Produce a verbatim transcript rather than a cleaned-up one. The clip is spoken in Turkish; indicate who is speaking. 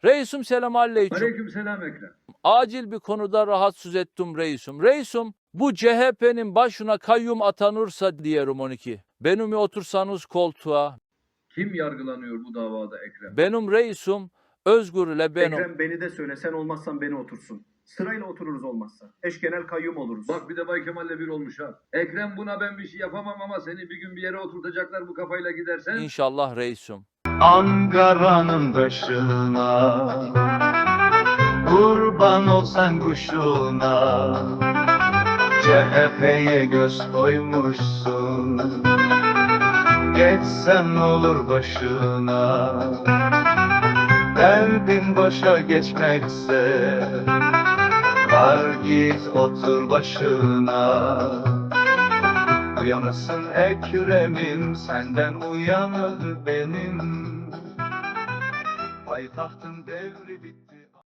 Speaker 1: Reisum selam aleyküm.
Speaker 2: Aleykümselam Ekrem.
Speaker 1: Acil bir konuda rahatsız ettim reisum. Reisum bu C H P'nin başına kayyum atanırsa diyelim on iki. Benimle otursanız koltuğa.
Speaker 2: Kim yargılanıyor bu davada Ekrem?
Speaker 1: Benim reisum Özgür ile benim.
Speaker 3: Ekrem beni de söyle, sen olmazsan beni otursun. Sırayla otururuz olmazsa. Eş genel kayyum oluruz.
Speaker 2: Bak bir de Bay Kemal'le bir olmuş ha. Ekrem buna ben bir şey yapamam ama seni bir gün bir yere oturtacaklar bu kafayla gidersen.
Speaker 1: İnşallah reisum.
Speaker 4: Ankara'nın taşına kurban olsan kuşuna, C H P'ye göz koymuşsun, geçsen olur başına. Derdin boşa geçmekse var git otur başına. Uyanırsın Ekrem'im, senden uyanır benim. Payitahtın devri bitti.